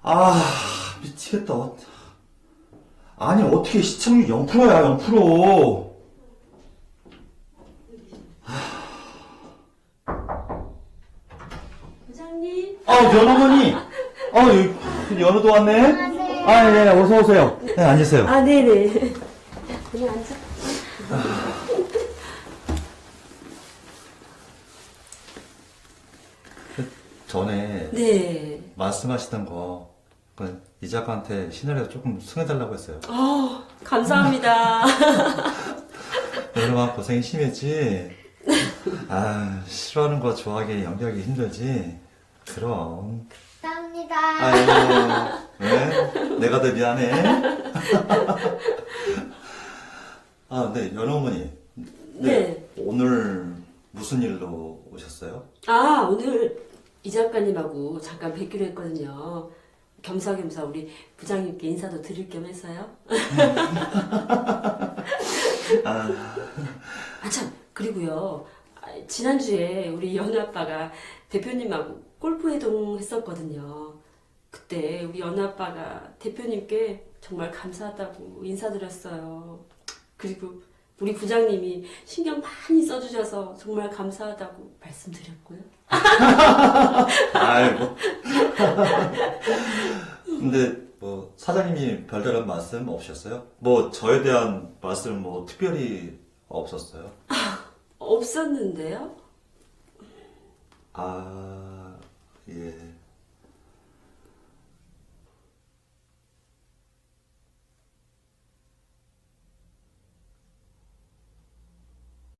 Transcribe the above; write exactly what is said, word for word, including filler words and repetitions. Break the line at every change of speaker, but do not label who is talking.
아, 미치겠다. 아니, 어떻게 시청률 영 퍼센트야, 영 퍼센트.
부장님.
아, 연어머니. 아, 여기, 연어도 왔네.
안녕하세요.
아, 예, 어서오세요. 네, 앉으세요.
아, 네네. 그냥 앉아.
전에
네.
말씀하시던 거, 그, 이 작가한테 시나리오 조금 승해달라고 했어요.
어, 감사합니다.
연어만 고생이 심했지. 아, 싫어하는 거 좋아하기, 연기하기 힘들지. 그럼.
감사합니다.
아유, 왜? 내가 더 미안해. 아, 네, 연어머니.
네.
오늘 무슨 일로 오셨어요?
아, 오늘 이 작가님하고 잠깐 뵙기로 했거든요. 겸사겸사 우리 부장님께 인사도 드릴 겸 해서요.
아,
아, 참, 그리고요. 아, 지난주에 우리 연우 아빠가 대표님하고 골프 회동 했었거든요. 그때 우리 연우 아빠가 대표님께 정말 감사하다고 인사드렸어요. 그리고 우리 부장님이 신경 많이 써주셔서 정말 감사하다고 말씀드렸고요.
아이고. 근데 뭐 사장님이 별다른 말씀 없으셨어요? 뭐 저에 대한 말씀 뭐 특별히 없었어요?
없었는데요?
아, 예.